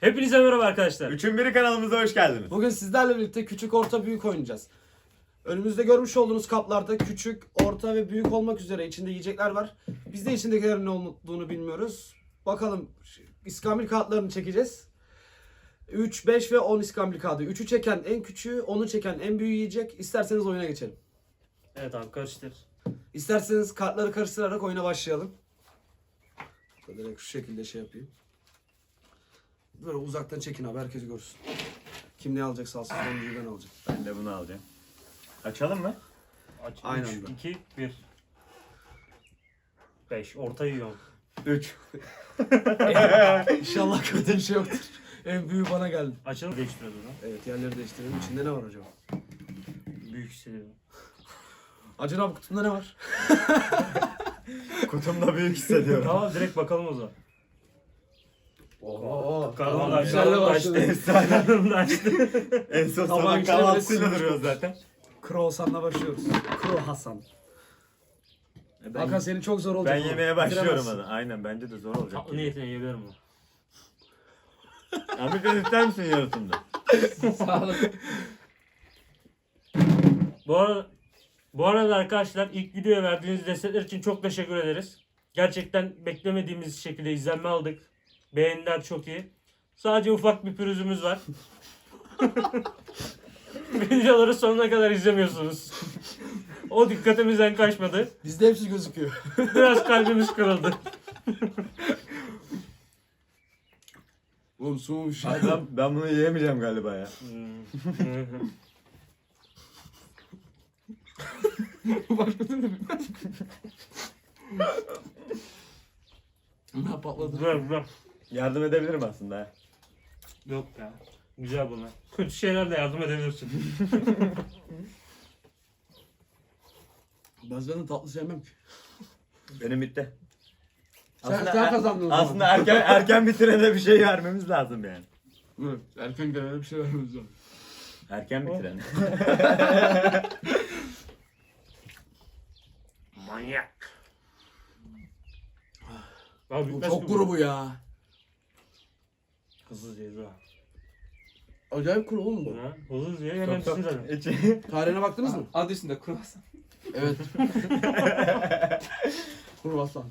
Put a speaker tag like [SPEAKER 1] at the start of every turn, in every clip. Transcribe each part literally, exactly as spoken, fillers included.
[SPEAKER 1] Hepinize merhaba arkadaşlar.
[SPEAKER 2] Üçün biri kanalımıza hoş geldiniz.
[SPEAKER 3] Bugün sizlerle birlikte küçük, orta, büyük oynayacağız. Önümüzde görmüş olduğunuz kaplarda küçük, orta ve büyük olmak üzere içinde yiyecekler var. Biz de içindekilerin ne olduğunu bilmiyoruz. Bakalım iskambil kağıtlarını çekeceğiz. üç, beş ve on iskambil kağıdı. üçü çeken en küçüğü, onu çeken en büyüğü yiyecek. İsterseniz oyuna geçelim.
[SPEAKER 1] Evet abi karıştır.
[SPEAKER 3] İsterseniz kartları karıştırarak oyuna başlayalım. Direkt şu şekilde şey yapayım. Böyle uzaktan çekin abi, herkes görsün. Kim ne alacaksa alsın, sonuncuyu ben alacağım.
[SPEAKER 2] Ben de bunu alacağım. Açalım mı?
[SPEAKER 1] Aç.
[SPEAKER 3] Aynen
[SPEAKER 1] üç,
[SPEAKER 3] öyle.
[SPEAKER 1] iki, bir. beş. Orta yiyorum.
[SPEAKER 2] Üç.
[SPEAKER 3] İnşallah kötü bir şey yoktur. En büyüğü bana geldi.
[SPEAKER 1] Açalım. Değiştiriyoruz o zaman.
[SPEAKER 3] Evet, yerleri değiştirelim. İçinde ne var acaba?
[SPEAKER 1] Büyük hissediyorum.
[SPEAKER 3] Acun abi kutumda ne var?
[SPEAKER 2] Kutumda büyük hissediyorum.
[SPEAKER 1] Tamam direkt bakalım o zaman.
[SPEAKER 3] Oo,
[SPEAKER 1] Karnım da
[SPEAKER 3] güzel de
[SPEAKER 1] açtı.
[SPEAKER 3] başladı.
[SPEAKER 1] Karnım da açtı.
[SPEAKER 2] En son
[SPEAKER 3] Tamam,
[SPEAKER 2] sabah
[SPEAKER 3] işte
[SPEAKER 2] kahvaltısıyla
[SPEAKER 3] böyle
[SPEAKER 2] duruyoruz zaten.
[SPEAKER 3] Croissant'la başlıyoruz. Kro Hasan.
[SPEAKER 2] Ben,
[SPEAKER 3] Hakan senin çok zor olacak.
[SPEAKER 2] ben
[SPEAKER 3] oğlum.
[SPEAKER 2] yemeye başlıyorum
[SPEAKER 3] Bitiremezsin.
[SPEAKER 2] hadi. Aynen bence de zor olacak.
[SPEAKER 1] Tatlı niyetine yiyebilirim mi?
[SPEAKER 2] Abi sen ister misin yarısında?
[SPEAKER 3] Sağ olun.
[SPEAKER 1] Bu arada, bu arada arkadaşlar ilk videoya verdiğiniz destekler için çok teşekkür ederiz. Gerçekten beklemediğimiz şekilde izlenme aldık. Beğeniler çok iyi. Sadece ufak bir pürüzümüz var. Videoları sonuna kadar izlemiyorsunuz. O dikkatimizden kaçmadı.
[SPEAKER 3] Bizde hepsi gözüküyor.
[SPEAKER 1] Biraz kalbimiz kırıldı.
[SPEAKER 3] Oğlum soğumuş.
[SPEAKER 2] Abi ben, ben bunu yiyemeyeceğim galiba ya.
[SPEAKER 3] Başka türlü mi? Ne patladı?
[SPEAKER 1] Güzel güzel.
[SPEAKER 2] Yardım edebilirim aslında ha.
[SPEAKER 1] Yok ya. Güzel bunlar. Kötü şeylerle yardım edebilirsin.
[SPEAKER 3] Ben zaten tatlı sevmem ki.
[SPEAKER 2] Benim bitti.
[SPEAKER 3] Sen- sen kazandın o zaman.
[SPEAKER 2] Aslında erken erken bitirene bir şey vermemiz lazım yani.
[SPEAKER 3] Evet, erken gelene bir şey vermemiz lazım.
[SPEAKER 2] Erken bitirene.
[SPEAKER 1] Manyak. Abi
[SPEAKER 3] Bu
[SPEAKER 1] bitmez
[SPEAKER 3] çok
[SPEAKER 1] ki
[SPEAKER 3] kuru bu ya.
[SPEAKER 1] Hızlı diye ha.
[SPEAKER 3] Acayip kuru oğlum bu.
[SPEAKER 1] Ha, Hızlı diye hemen
[SPEAKER 2] Çok-
[SPEAKER 1] bitsin zaten.
[SPEAKER 2] İçi-
[SPEAKER 3] Tarihine baktınız mı?
[SPEAKER 4] Adı üstünde kruvasan.
[SPEAKER 3] Evet. Kruvasan.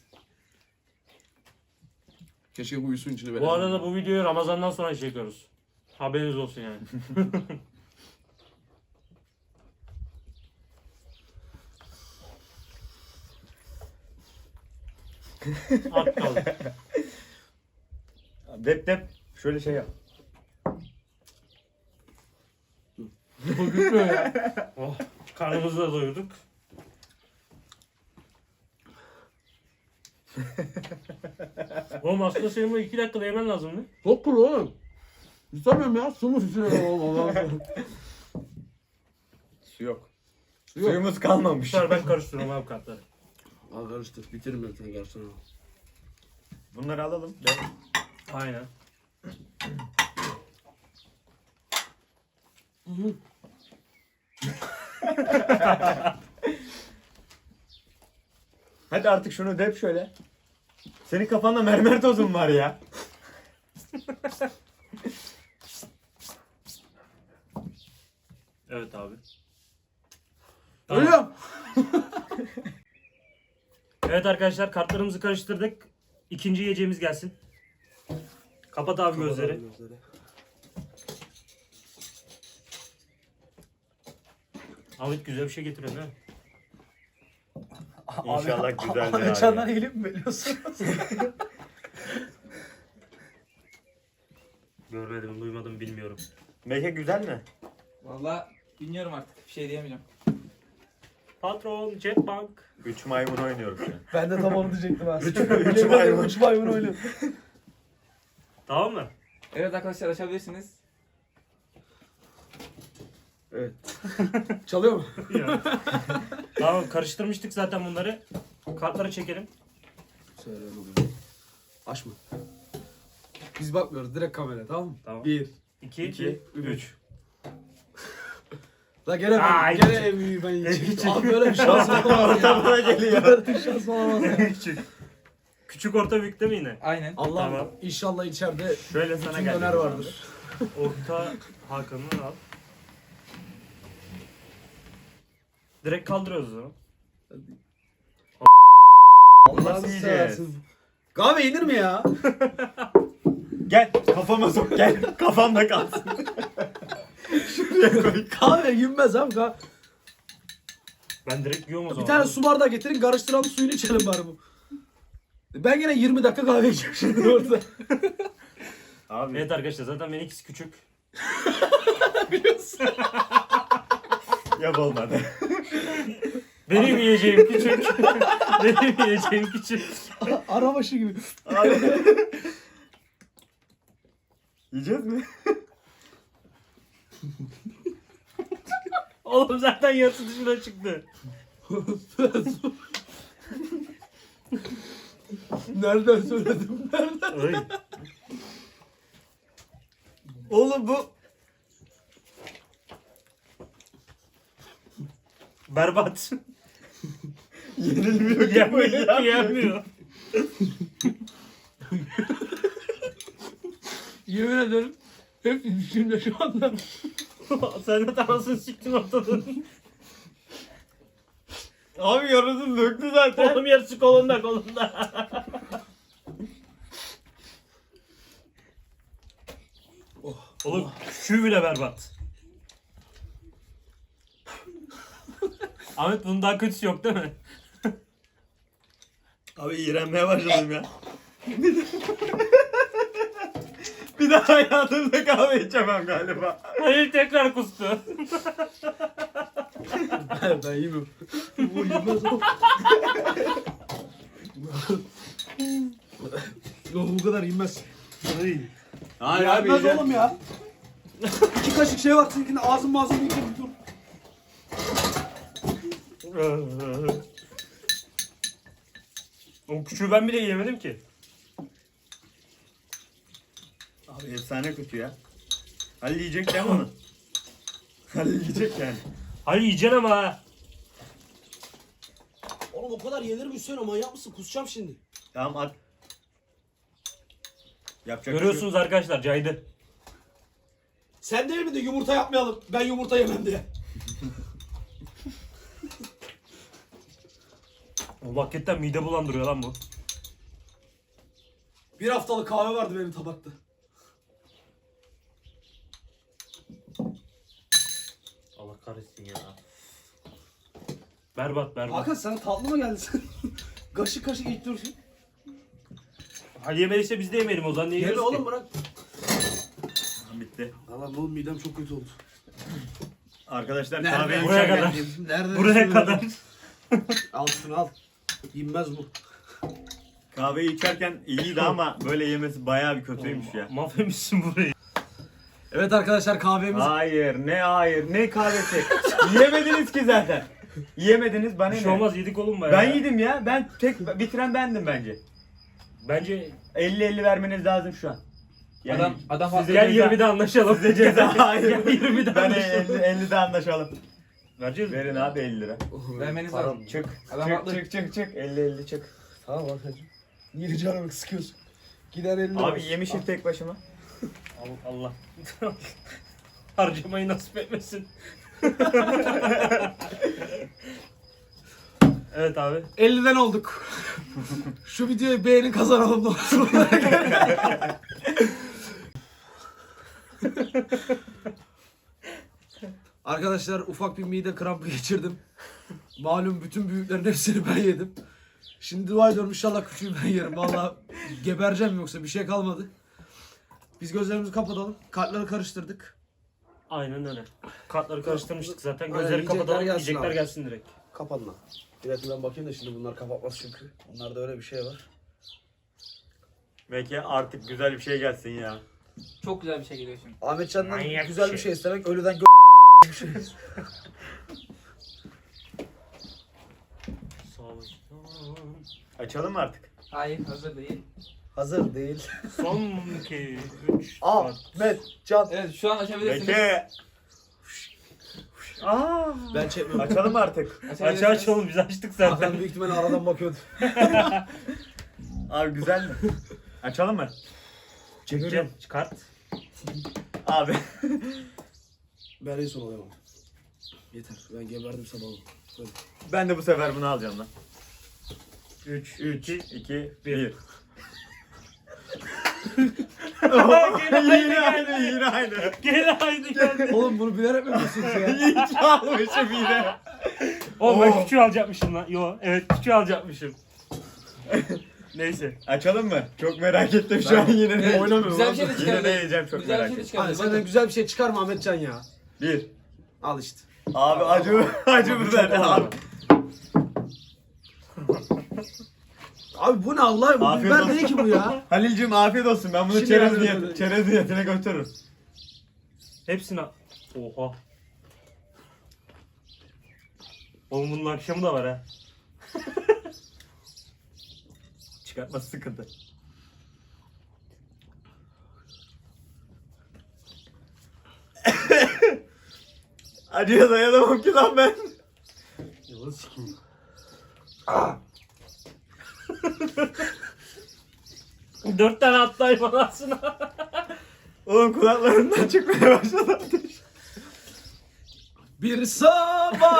[SPEAKER 3] Keşke bu uyusun içine
[SPEAKER 1] Bu arada bu videoyu Ramazan'dan sonra çekiyoruz. Haberiniz olsun yani. At kaldı.
[SPEAKER 2] Dep dep. Şöyle şey yap.
[SPEAKER 3] Bu gitmiyor ya.
[SPEAKER 1] Oh, karnımızı da doyurduk. Oğlum aslında senin bu iki dakikada yemen lazımdı.
[SPEAKER 3] Çok kuru oğlum. İstemiyorum ya. Su mu içine oğlum Allah'ım.
[SPEAKER 2] Su yok.
[SPEAKER 3] Su yok.
[SPEAKER 2] Suyumuz kalmamış.
[SPEAKER 1] Süper ben karıştırıyorum abi kartları.
[SPEAKER 3] Al karıştır. Bitirin ben sana karşısına.
[SPEAKER 2] Bunları alalım. Ben...
[SPEAKER 1] Aynen.
[SPEAKER 2] Hadi artık şunu dep şöyle. Senin kafanda mermer tozun var ya.
[SPEAKER 1] Evet abi. Tamam.
[SPEAKER 3] Ölüyorum.
[SPEAKER 1] Evet arkadaşlar kartlarımızı karıştırdık. İkinci yiyeceğimiz gelsin. Kapat abi gözleri. Ahmet güzel bir şey getiriyor değil mi?
[SPEAKER 2] İnşallah güzeldir
[SPEAKER 4] Abi
[SPEAKER 2] abi.
[SPEAKER 4] Can'dan eğilip mi veriyorsunuz?
[SPEAKER 1] Görmedim, duymadım, bilmiyorum.
[SPEAKER 2] Meke güzel mi?
[SPEAKER 4] Valla bilmiyorum artık. Bir şey diyemeyeceğim.
[SPEAKER 1] Patron, Jetbank.
[SPEAKER 2] Üç maymun oynuyoruz şu an.
[SPEAKER 3] Ben de tam onu diyecektim ha.
[SPEAKER 2] Üç, üç maymun.
[SPEAKER 3] Üç maymun oynuyor.
[SPEAKER 1] Tamam mı?
[SPEAKER 4] Evet arkadaşlar açabilirsiniz.
[SPEAKER 3] Evet. Çalıyor mu?
[SPEAKER 1] Ya. Tamam karıştırmıştık zaten bunları. Kartları çekelim.
[SPEAKER 3] Söyle oluyor. Açma. Biz bakmıyoruz. Direkt kamera, tamam mı?
[SPEAKER 1] Tamam.
[SPEAKER 3] Bir.
[SPEAKER 1] iki,
[SPEAKER 3] İki,
[SPEAKER 1] üç.
[SPEAKER 3] La gene ben,
[SPEAKER 1] Aa,
[SPEAKER 3] gene
[SPEAKER 1] küçük.
[SPEAKER 3] en büyüğü ben
[SPEAKER 1] Küçük.
[SPEAKER 3] yiyeceğim. Abi böyle bir şans olamaz ya.
[SPEAKER 2] Ortamına geliyor.
[SPEAKER 3] Böyle bir şans olamaz ya.
[SPEAKER 1] Küçük. Küçük orta büyük değil mi yine?
[SPEAKER 4] Aynen.
[SPEAKER 3] Allah'ım
[SPEAKER 1] Tamam.
[SPEAKER 3] inşallah içeride
[SPEAKER 2] Şöyle sana
[SPEAKER 3] bütün
[SPEAKER 2] geldi.
[SPEAKER 3] döner vardır.
[SPEAKER 1] Orta Hakan'ı al. Direkt kaldırıyoruz o zaman.
[SPEAKER 3] Allah'ını
[SPEAKER 2] yiyeceğiz?
[SPEAKER 3] seversin. Kahve yenir mi ya?
[SPEAKER 2] Gel kafama sok gel. Kafamda kalsın. Şuraya koy.
[SPEAKER 3] Kahve yenmez abi. Kahve.
[SPEAKER 1] Ben direkt yiyorum o zaman.
[SPEAKER 3] Bir tane su bardağı getirin, karıştıralım, suyunu içelim bari bu. Ben yine yirmi dakika kahve içeceğim şimdi orada.
[SPEAKER 2] Abi
[SPEAKER 1] Evet arkadaşlar zaten benimkisi küçük.
[SPEAKER 3] Biliyorsun.
[SPEAKER 2] yap olmadı.
[SPEAKER 1] Benim yiyeceğim küçük. Benim yiyeceğim küçük.
[SPEAKER 3] Arabaşı gibi.
[SPEAKER 2] Abi. Yiyeceğiz mi?
[SPEAKER 1] Oğlum zaten yarısı dışına çıktı.
[SPEAKER 3] Nereden söyledim? Nereden?
[SPEAKER 1] Oy.
[SPEAKER 2] Oğlum bu
[SPEAKER 1] Berbat.
[SPEAKER 2] yenilmiyor ki bu
[SPEAKER 1] Yenmiyor
[SPEAKER 2] ya.
[SPEAKER 1] ki yenmiyor.
[SPEAKER 3] Yemin ederim. Hep içimde şu anda.
[SPEAKER 1] Sen de tanrısını siktin ortadan.
[SPEAKER 2] Abi yarısını döktü zaten.
[SPEAKER 1] Oğlum yarısı kolunda kolunda. Oğlum şu bile berbat. Ahmet bunun daha kötüsü yok değil mi?
[SPEAKER 2] Abi iğrenmeye başladım ya. Bir daha hayatımda kahve içemem galiba.
[SPEAKER 1] Hayır tekrar kustu.
[SPEAKER 3] Ben, ben yemiyorum. Bu yemez o. Yok bu kadar yenmez.
[SPEAKER 2] Hayır abi
[SPEAKER 3] Yenmez
[SPEAKER 2] yiyeceğim.
[SPEAKER 3] oğlum ya. İki kaşık şey var seninkinde ağzım ağzım yiyeceğim dur.
[SPEAKER 1] O küçüğü ben bile yiyemedim ki.
[SPEAKER 2] Abi efsane kötü ya. Halil yiyecek değil mi onu? Halil yiyecek yani.
[SPEAKER 1] Hayır yiyeceksin ama ha.
[SPEAKER 3] Oğlum o kadar yenir mi Hüseyin, o manyak mısın? Kusacağım şimdi.
[SPEAKER 2] Tamam at. Yapacak
[SPEAKER 1] Görüyorsunuz arkadaşlar caydı.
[SPEAKER 3] Sen değil mi de yumurta yapmayalım, ben yumurta yemem diye.
[SPEAKER 1] O hakikaten mide bulandırıyor lan bu.
[SPEAKER 3] Bir haftalık kahve vardı benim tabakta.
[SPEAKER 1] Allah kahretsin ya. Berbat berbat.
[SPEAKER 3] Hakan sana tatlı mı geldi sen? Kaşık kaşık ilk dursun.
[SPEAKER 1] Ha yemediyse biz de yemeyelim o zaman. Niye
[SPEAKER 3] Yeme
[SPEAKER 1] yiyoruz
[SPEAKER 3] oğlum
[SPEAKER 1] ki?
[SPEAKER 3] bırak.
[SPEAKER 2] Tamam, bitti.
[SPEAKER 3] Allah'ım oğlum midem çok kötü oldu.
[SPEAKER 2] Arkadaşlar
[SPEAKER 3] Nereden
[SPEAKER 2] kahve
[SPEAKER 1] Buraya
[SPEAKER 2] içerken-
[SPEAKER 1] kadar.
[SPEAKER 3] Nereden
[SPEAKER 1] Buraya
[SPEAKER 3] söyledin?
[SPEAKER 1] kadar.
[SPEAKER 3] Al şunu al. Yenmez bu.
[SPEAKER 2] Kahveyi içerken iyiydi ama böyle yemesi bayağı bir kötüymüş ya.
[SPEAKER 1] Mahvetmişsin burayı.
[SPEAKER 3] Evet arkadaşlar kahvemiz.
[SPEAKER 2] Hayır ne hayır ne kahvesi. Yiyemediniz ki zaten. Yiyemediniz bana
[SPEAKER 1] Bir
[SPEAKER 2] ne?
[SPEAKER 1] şey olmaz yedik oğlum bayağı.
[SPEAKER 2] Ben yedim ya. Ben tek bitiren bendim bence.
[SPEAKER 1] Bence
[SPEAKER 2] elli elli vermeniz lazım şu an. Yani
[SPEAKER 4] Adam adam
[SPEAKER 2] size
[SPEAKER 4] haklı.
[SPEAKER 1] gel
[SPEAKER 2] ceza-
[SPEAKER 1] yirmide anlaşalım.
[SPEAKER 2] Size ceza hayır.
[SPEAKER 1] Gel yirmide
[SPEAKER 2] Ben
[SPEAKER 1] anlaşalım.
[SPEAKER 2] elli ellide anlaşalım.
[SPEAKER 1] Vereceğiz mi?
[SPEAKER 2] Verin abi elli lira.
[SPEAKER 4] Vermeniz
[SPEAKER 1] Param
[SPEAKER 4] lazım.
[SPEAKER 2] Çık.
[SPEAKER 4] Adam
[SPEAKER 2] çık,
[SPEAKER 4] haklı.
[SPEAKER 2] çık çık çık elli elli çık.
[SPEAKER 3] Tamam Hakan'cığım. Niye canımı sıkıyorsun? Gider elini.
[SPEAKER 2] Abi yemişim tek başıma.
[SPEAKER 1] Allah. Allah. Harcamayı nasip etmesin. Evet abi.
[SPEAKER 3] elliden olduk. Şu videoyu beğenin kazanalım da olsun. Arkadaşlar ufak bir mide krampı geçirdim. Malum bütün büyüklerin hepsini ben yedim. Şimdi dua ediyorum inşallah küçüğü ben yerim. Vallahi gebereceğim yoksa bir şey kalmadı. Biz gözlerimizi kapatalım. Kartları karıştırdık.
[SPEAKER 1] Aynen öyle. Kartları karıştırmıştık zaten.
[SPEAKER 3] Aynen,
[SPEAKER 1] Gözleri
[SPEAKER 3] yiyecekler
[SPEAKER 1] kapatalım.
[SPEAKER 3] gelsin
[SPEAKER 1] Yiyecekler
[SPEAKER 3] abi.
[SPEAKER 1] gelsin direkt.
[SPEAKER 3] Kapanma. Bir dakika ben bakayım da şimdi bunlar kapatmaz çünkü. Onlarda öyle bir şey var.
[SPEAKER 2] Belki artık güzel bir şey gelsin ya.
[SPEAKER 4] Çok güzel bir şey geliyor şimdi.
[SPEAKER 3] Ahmetcan'dan
[SPEAKER 1] Manyak
[SPEAKER 3] güzel
[SPEAKER 1] bir
[SPEAKER 3] bir
[SPEAKER 1] şey.
[SPEAKER 3] şey istemek ölüden gö bir şey.
[SPEAKER 1] Savaştan.
[SPEAKER 2] Açalım mı artık?
[SPEAKER 4] Hayır hazır değil.
[SPEAKER 3] Hazır değil.
[SPEAKER 1] Son iki, üç, dört.
[SPEAKER 3] Ahmet Can.
[SPEAKER 4] Evet şu an açabilirsiniz.
[SPEAKER 2] Peki. Aa.
[SPEAKER 3] Ben çekmiyorum.
[SPEAKER 2] Açalım mı artık?
[SPEAKER 1] Aç aç oğlum biz açtık zaten.
[SPEAKER 3] Hakan büyük ihtimalle aradan bakıyordu.
[SPEAKER 2] Abi güzel mi? Açalım mı?
[SPEAKER 1] Çekeceğim. Çıkart.
[SPEAKER 2] Abi.
[SPEAKER 3] Ben en son alayım abi. Yeter. Ben geberdim sabahı. Böyle.
[SPEAKER 2] Ben de bu sefer bunu alacağım lan.
[SPEAKER 1] üç,
[SPEAKER 2] üç, iki,
[SPEAKER 1] bir.
[SPEAKER 2] bir.
[SPEAKER 1] Gene
[SPEAKER 2] Yine aynı, yine aynı.
[SPEAKER 1] Gene aynı geldi.
[SPEAKER 3] Oğlum bunu bilerek mi yapıyorsunuz ya?
[SPEAKER 2] Hiç almışım yine.
[SPEAKER 1] Oğlum ben
[SPEAKER 3] Oo.
[SPEAKER 1] küçüğü alacakmışım lan. Yo evet küçüğü alacakmışım. Neyse.
[SPEAKER 2] Açalım mı? Çok merak ettim şu an yine.
[SPEAKER 3] Evet,
[SPEAKER 2] ne-
[SPEAKER 3] oynamıyorum
[SPEAKER 4] Güzel bir
[SPEAKER 3] abi.
[SPEAKER 4] şey de
[SPEAKER 2] Yine
[SPEAKER 4] çıkardı.
[SPEAKER 2] ne yiyeceğim çok
[SPEAKER 4] Güzel
[SPEAKER 2] merak
[SPEAKER 4] bir şey de
[SPEAKER 2] ettim.
[SPEAKER 4] çıkardı.
[SPEAKER 3] Hadi senden
[SPEAKER 4] Bakın.
[SPEAKER 3] güzel bir şey çıkar mı Ahmetcan ya?
[SPEAKER 2] Bir.
[SPEAKER 3] Al işte.
[SPEAKER 2] Abi acı acı biber abi.
[SPEAKER 3] Abi bu ne Allah? Bu
[SPEAKER 2] Afiyet
[SPEAKER 3] biber
[SPEAKER 2] olsun.
[SPEAKER 3] değil ki bu ya.
[SPEAKER 2] Halil'cim afiyet olsun. Ben bunu
[SPEAKER 3] Şimdi
[SPEAKER 2] çerez
[SPEAKER 3] ben-
[SPEAKER 2] niyetine, çerez niyetine götürürüm.
[SPEAKER 1] Hepsini al. Oha. Oğlum bunun akşamı da var ha.
[SPEAKER 2] Çıkartması sıkıntı. Acıya dayanamam ki lan ben.
[SPEAKER 1] Yılan sikeyim. Dört tane attı hayvan aslında.
[SPEAKER 2] Oğlum kulaklarımdan çıkmaya başladı ateş.
[SPEAKER 3] Bir sabah.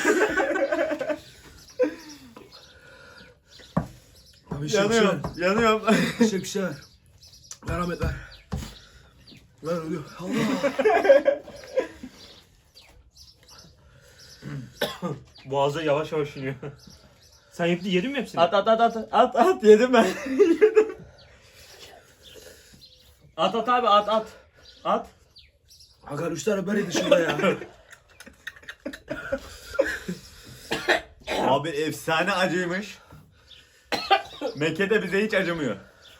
[SPEAKER 3] Abi şey bir şey ver.
[SPEAKER 2] Yanıyorum, yanıyorum.
[SPEAKER 3] Bir şey bir şey ver. Ver Ahmet ver. Ver ölüyor. Allah.
[SPEAKER 1] Boğaza yavaş yavaş iniyor. Sen yedin, yedin mi hepsini?
[SPEAKER 2] At at at at at at yedim ben. Yedim. At at abi at at. At.
[SPEAKER 3] Hakan üç tane beri dışında ya.
[SPEAKER 2] Abi efsane acıymış. Mekke de bize hiç acımıyor.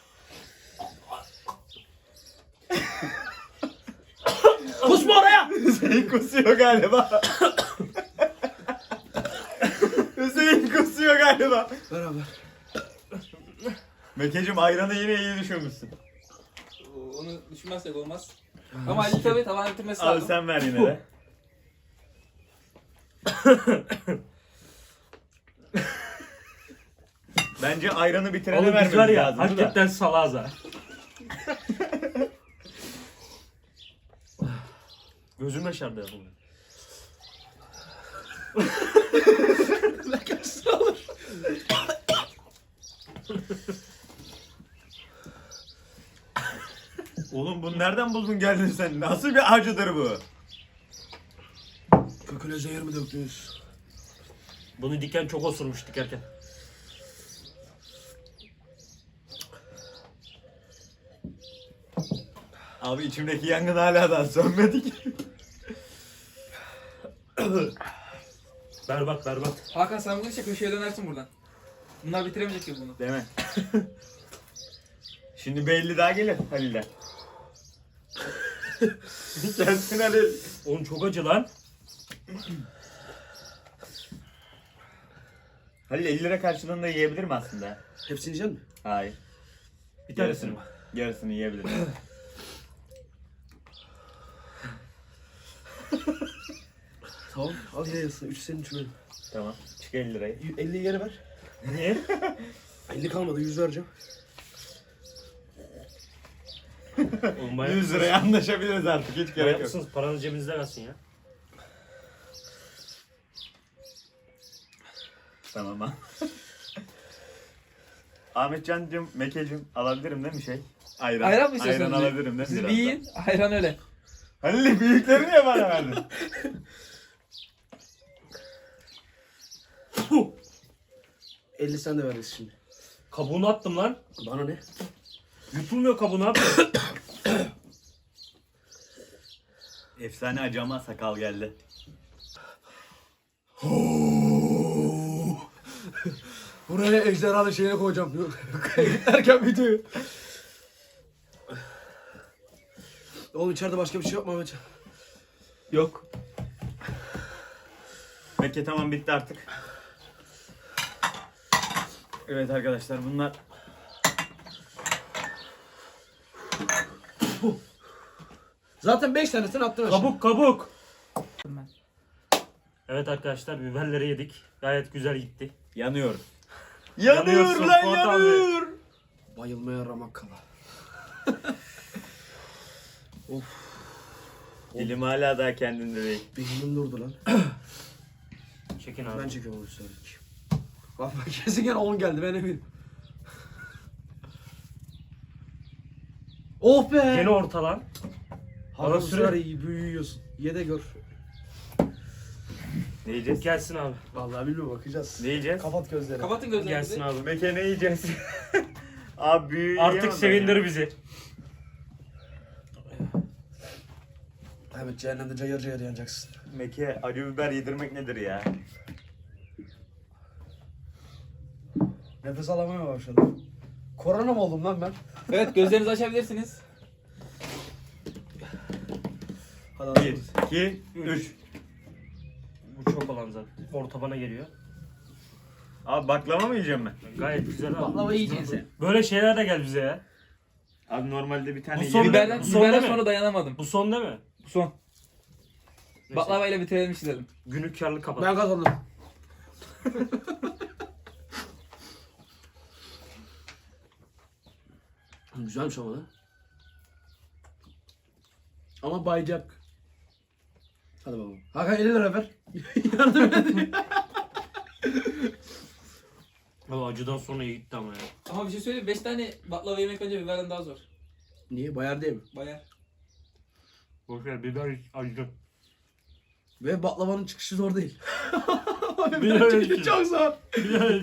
[SPEAKER 3] Kusma oraya.
[SPEAKER 2] Hüseyin kusuyor galiba. Hüseyin kusuyor galiba.
[SPEAKER 3] Beraber.
[SPEAKER 2] Mekeciğim ayranı yine iyi düşünmüşsün.
[SPEAKER 4] Onu düşünmezsek olmaz. Ama Ali tabii tavan bitirmesi
[SPEAKER 2] Abi
[SPEAKER 4] lazım.
[SPEAKER 2] sen ver yine de. Bence ayranı bitirene
[SPEAKER 1] Oğlum biz
[SPEAKER 2] vermemiz
[SPEAKER 1] var ya
[SPEAKER 2] lazım.
[SPEAKER 1] hakikaten salağız ha. Gözüm yaşardı ya bunu.
[SPEAKER 3] Ne kaçsın olur.
[SPEAKER 2] Oğlum bunu nereden buldun geldin sen? Nasıl bir acıdır bu?
[SPEAKER 3] Köküne zehir mi döktünüz?
[SPEAKER 1] Bunu diken çok osurmuş dikerken.
[SPEAKER 2] Abi içimdeki yangın hala da sönmedi ki.
[SPEAKER 1] Berbat berbat.
[SPEAKER 4] Hakan sen bunu işte köşeye dönersin buradan. Bunlar bitiremeyecek ki bunu.
[SPEAKER 2] Değil mi? Şimdi belli daha gelir Halil'den. Gelsin Halil.
[SPEAKER 1] Oğlum çok acı lan.
[SPEAKER 2] Halil elli lira karşılığında yiyebilir mi aslında?
[SPEAKER 3] Hepsini yiyecek misin?
[SPEAKER 2] Hayır.
[SPEAKER 1] Bir tanesini mi?
[SPEAKER 2] Yarısını yiyebilir.
[SPEAKER 3] Tamam. Al yayasın. Üç senin üç benim.
[SPEAKER 2] Tamam. Çık elli lirayı.
[SPEAKER 3] elliyi geri ver.
[SPEAKER 1] Niye?
[SPEAKER 3] elli kalmadı. yüz vereceğim.
[SPEAKER 1] Oğlum manyak
[SPEAKER 2] yüz
[SPEAKER 1] mısınız?
[SPEAKER 2] liraya anlaşabiliriz artık. Hiç
[SPEAKER 1] Manyak
[SPEAKER 2] gerek yok.
[SPEAKER 1] mısınız? Paranız cebinizde kalsın ya.
[SPEAKER 2] Tamam ha. Ahmetcan'cım, Mekeciğim alabilirim değil mi şey? Ayran.
[SPEAKER 4] Ayran mı istiyorsunuz?
[SPEAKER 2] Ayran alabilirim değil mi?
[SPEAKER 4] Siz bir
[SPEAKER 2] birazdan?
[SPEAKER 4] yiyin. Ayran öyle.
[SPEAKER 2] Halil büyükleri niye bana verdin?
[SPEAKER 3] elli sen de veririz şimdi.
[SPEAKER 1] Kabuğunu attım lan.
[SPEAKER 3] Bana ne?
[SPEAKER 1] Yutulmuyor kabuğunu abi.
[SPEAKER 2] Efsane acı ama sakal geldi.
[SPEAKER 3] Buraya ejderhanın şeyine koyacağım. Erken videoyu. Oğlum içeride başka bir şey yok mu Ahmetcan?
[SPEAKER 2] Yok. Mekke tamam bitti artık. Evet arkadaşlar bunlar
[SPEAKER 3] Zaten beş tanesini attın aşağı.
[SPEAKER 1] Kabuk kabuk. Evet arkadaşlar biberleri yedik. Gayet güzel gitti.
[SPEAKER 2] yanıyor.
[SPEAKER 1] Yanıyorsun
[SPEAKER 2] Yanıyor lan
[SPEAKER 1] Fuat abi.
[SPEAKER 2] yanıyor.
[SPEAKER 3] Bayılmaya ramak kala. Of.
[SPEAKER 2] Dilim hala daha kendinde değil.
[SPEAKER 3] Beynim durdu lan.
[SPEAKER 1] Çekin abi.
[SPEAKER 3] Ben çekiyorum onu söyledik. Bak bak kesin gene on geldi ben eminim. Oh be!
[SPEAKER 1] Gene ortalan.
[SPEAKER 3] Hava
[SPEAKER 1] Bana
[SPEAKER 3] sürer
[SPEAKER 1] süre-
[SPEAKER 3] iyi büyüyorsun. Ye de gör.
[SPEAKER 2] Ne yiyeceğiz?
[SPEAKER 1] Gelsin abi.
[SPEAKER 3] Vallahi bilmiyorum bakacağız.
[SPEAKER 2] Ne yiyeceğiz?
[SPEAKER 3] Kapat gözlerini.
[SPEAKER 4] Kapatın gözlerinizi.
[SPEAKER 1] Gelsin abi.
[SPEAKER 2] Meke ne yiyeceğiz? Abi büyüğü
[SPEAKER 1] Artık
[SPEAKER 2] yiyemem ben
[SPEAKER 1] sevindir
[SPEAKER 2] ya.
[SPEAKER 1] bizi.
[SPEAKER 3] Evet cehennemde cayır cayır yanacaksın.
[SPEAKER 2] Meke acı biber yedirmek nedir ya?
[SPEAKER 3] Nefes alamaya başladım. Korona mı oldum lan ben?
[SPEAKER 4] Evet gözlerinizi açabilirsiniz.
[SPEAKER 3] Hadi
[SPEAKER 2] Bir, iki, üç.
[SPEAKER 1] Bu çok olan zaten. Orta bana geliyor.
[SPEAKER 2] Abi baklava mı yiyeceğim ben?
[SPEAKER 1] Gayet güzel abi.
[SPEAKER 3] Baklava yiyeceksin sen.
[SPEAKER 1] Böyle şeyler de gel bize ya.
[SPEAKER 2] Abi normalde bir tane
[SPEAKER 1] Bu son-
[SPEAKER 2] yerim.
[SPEAKER 4] Biberden,
[SPEAKER 1] Bu son
[SPEAKER 4] biberden
[SPEAKER 1] değil mi?
[SPEAKER 4] sonra dayanamadım.
[SPEAKER 1] Bu son değil mi?
[SPEAKER 4] Bu son.
[SPEAKER 1] Neyse.
[SPEAKER 4] Baklava ile bitirelim istedim.
[SPEAKER 1] Günü karlı kapat.
[SPEAKER 3] Ben kazandım. Güzelmiş ama lan. Ama bayacak. Hadi bakalım. Hakan elli lira ver. Yardım et.
[SPEAKER 1] Abi acıdan sonra iyi gitti ama ya.
[SPEAKER 4] Ama bir şey söyleyeyim, beş tane baklava yemek bence biberden daha zor.
[SPEAKER 3] Niye? Bayar değil mi?
[SPEAKER 4] Bayar.
[SPEAKER 1] Boşver biber hiç acı.
[SPEAKER 3] Ve baklavanın çıkışı zor değil.
[SPEAKER 1] Biber
[SPEAKER 3] Biber
[SPEAKER 1] için.
[SPEAKER 3] çıkışı çok zor.
[SPEAKER 1] Biber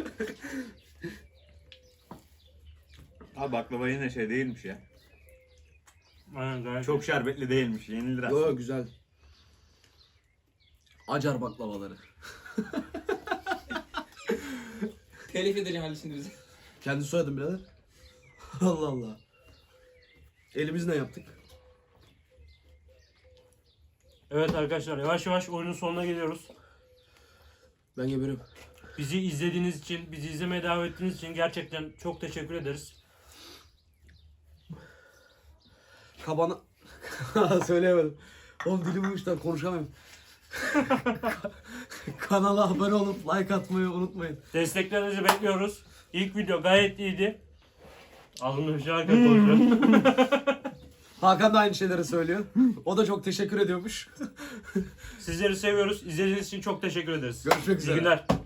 [SPEAKER 2] Abi baklava yine şey değilmiş ya.
[SPEAKER 1] Aynen gayet.
[SPEAKER 2] Çok şerbetli değilmiş. Yenilir aslında.
[SPEAKER 3] Yo güzel. Acar baklavaları.
[SPEAKER 4] Telif edeceğim Ali şimdi bizi.
[SPEAKER 3] Kendi soyadım birader. Allah Allah. Elimizle yaptık.
[SPEAKER 1] Evet arkadaşlar yavaş yavaş oyunun sonuna geliyoruz.
[SPEAKER 3] Ben geberim.
[SPEAKER 1] Bizi izlediğiniz için, bizi izlemeye devam ettiğiniz için gerçekten çok teşekkür ederiz.
[SPEAKER 3] Kabana... Söyleyemedim. Oğlum dilim uçtan konuşamıyorum. Kanala abone olup like atmayı unutmayın.
[SPEAKER 1] Desteklerinizi bekliyoruz. İlk video gayet iyiydi. Ağzımda bir şey var konuşuyor.
[SPEAKER 3] Hakan da aynı şeyleri söylüyor. O da çok teşekkür ediyormuş.
[SPEAKER 1] Sizleri seviyoruz. İzlediğiniz için çok teşekkür ederiz.
[SPEAKER 3] Görüşmek üzere.
[SPEAKER 1] İyi günler.